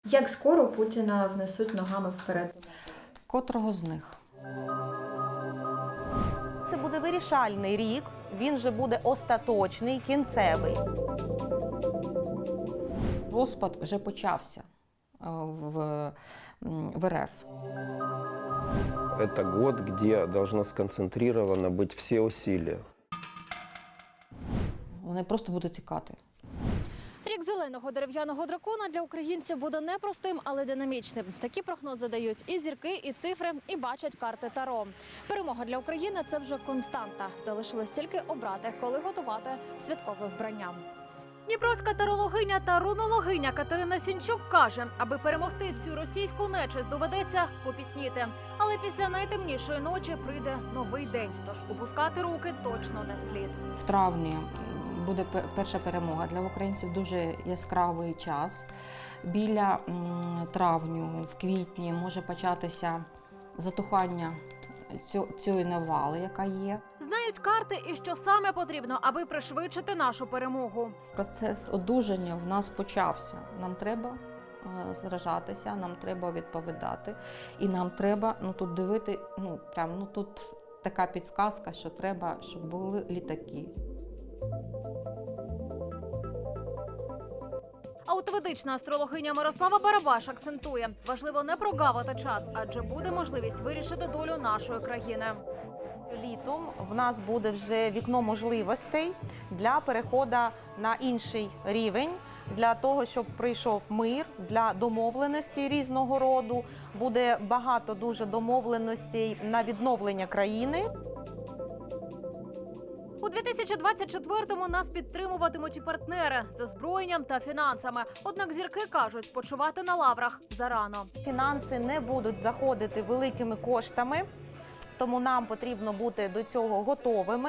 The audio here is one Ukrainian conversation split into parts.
Як скоро Путіна внесуть ногами вперед? Котрого з них? Це буде вирішальний рік, він же буде остаточний, кінцевий. Розпад вже почався в РФ. Это год, где должны сконцентрированы быть все усилия. Вони просто будуть тікати. Рік зеленого дерев'яного дракона для українців буде непростим, але динамічним. Такі прогнози дають і зірки, і цифри, і бачать карти Таро. Перемога для України – це вже константа. Залишилось тільки обрати, коли готувати святкове вбрання. Дніпровська тарологиня та рунологиня Катерина Сінчук каже, аби перемогти цю російську нечисть, доведеться попітніти. Але після найтемнішої ночі прийде новий день, тож опускати руки точно не слід. В травні буде перша перемога для українців, дуже яскравий час. Біля травню, в квітні може початися затухання цієї навали, яка є. Знають карти і що саме потрібно, аби пришвидшити нашу перемогу. Процес одужання в нас почався. Нам треба сражатися, нам треба відповідати. І нам треба тут дивити, тут така підсказка, що треба, щоб були літаки. А от ведична астрологиня Мирослава Барабаш акцентує, важливо не прогавити час, адже буде можливість вирішити долю нашої країни. Літом в нас буде вже вікно можливостей для переходу на інший рівень, для того, щоб прийшов мир, для домовленості різного роду. Буде багато дуже домовленостей на відновлення країни. У 2024-му нас підтримуватимуть і партнери з озброєнням та фінансами. Однак зірки кажуть, спочивати на лаврах зарано. Фінанси не будуть заходити великими коштами, тому нам потрібно бути до цього готовими.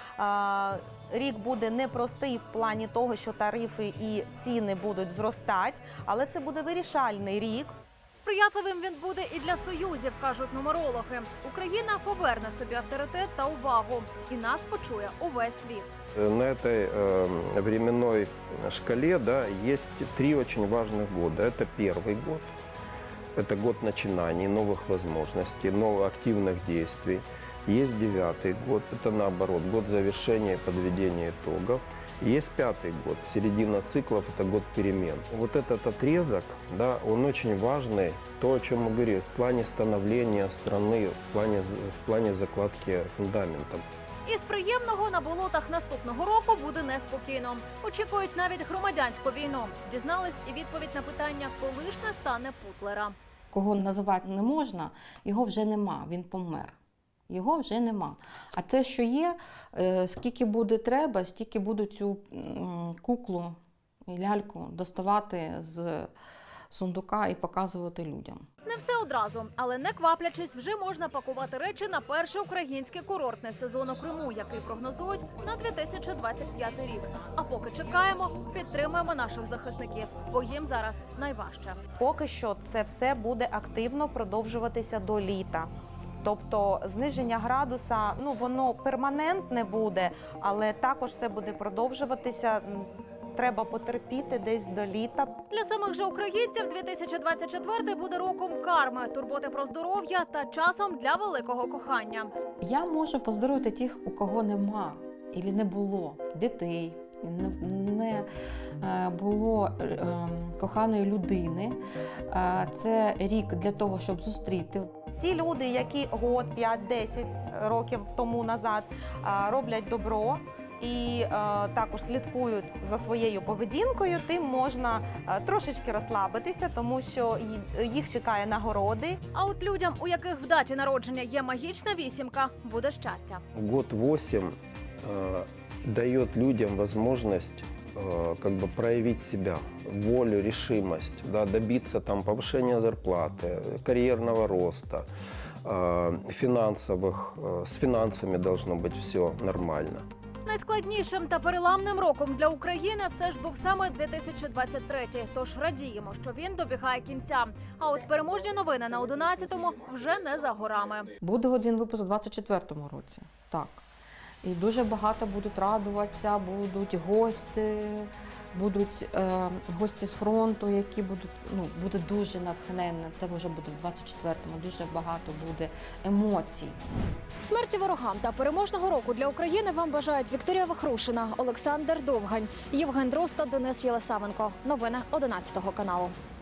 Рік буде непростий в плані того, що тарифи і ціни будуть зростати, але це буде вирішальний рік. Сприятливим він буде і для союзів, кажуть нумерологи. Україна поверне собі авторитет та увагу. І нас почує увесь світ. На этой временной шкале есть три очень важных года. Это первый год, это год начинаний, новых возможностей, новых активных действий. Есть девятый год, это наоборот, год завершения и подведения итогов. Есть пятый год, середина циклов, это год перемен. Вот этот отрезок, он очень важный, то, о чем мы говорили, в плане становления страны, в плане закладки фундамента. Із приємного на болотах наступного року буде неспокійно. Очікують навіть громадянську війну. Дізнались і відповідь на питання, коли ж не стане Путлера. Кого називати не можна, його вже нема, він помер. Його вже нема. А те, що є, скільки буде треба, стільки буду цю куклу і ляльку доставати з сундука і показувати людям. Не все одразу, але не кваплячись, вже можна пакувати речі на перший український курортний сезон у Криму, який прогнозують на 2025 рік. А поки чекаємо, підтримуємо наших захисників, бо їм зараз найважче. Поки що це все буде активно продовжуватися до літа. Тобто зниження градуса, воно перманентне буде, але також все буде продовжуватися. Треба потерпіти десь до літа. Для самих же українців 2024 буде роком карми, турботи про здоров'я та часом для великого кохання. Я можу поздоровити тих, у кого нема, і не було дітей, не було коханої людини. Це рік для того, щоб зустріти. Ті люди, які год, 5-10 років тому назад роблять добро і також слідкують за своєю поведінкою, тим можна трошечки розслабитися, тому що їх чекає нагороди. А от людям, у яких в даті народження є магічна вісімка, буде щастя. Год 8 дает людям возможность проявить себя, волю, решимость, добиться повышения зарплаты, карьерного роста, с финансами должно быть все нормально. Найскладнішим та переламним роком для України все ж був саме 2023. Тож радіємо, що він добігає кінця. А от переможні новини на 11-му вже не за горами. Буде один випуск у 2024 році. Так. І дуже багато будуть радуватися, будуть гості, будуть гості з фронту, які будуть, буде дуже натхненно. Це вже буде в 24-му, дуже багато буде емоцій. Смерті ворогам та переможного року для України вам бажають Вікторія Вахрушина, Олександр Довгань, Євген Дрозд та Денис Єлисавенко. Новини 11 каналу.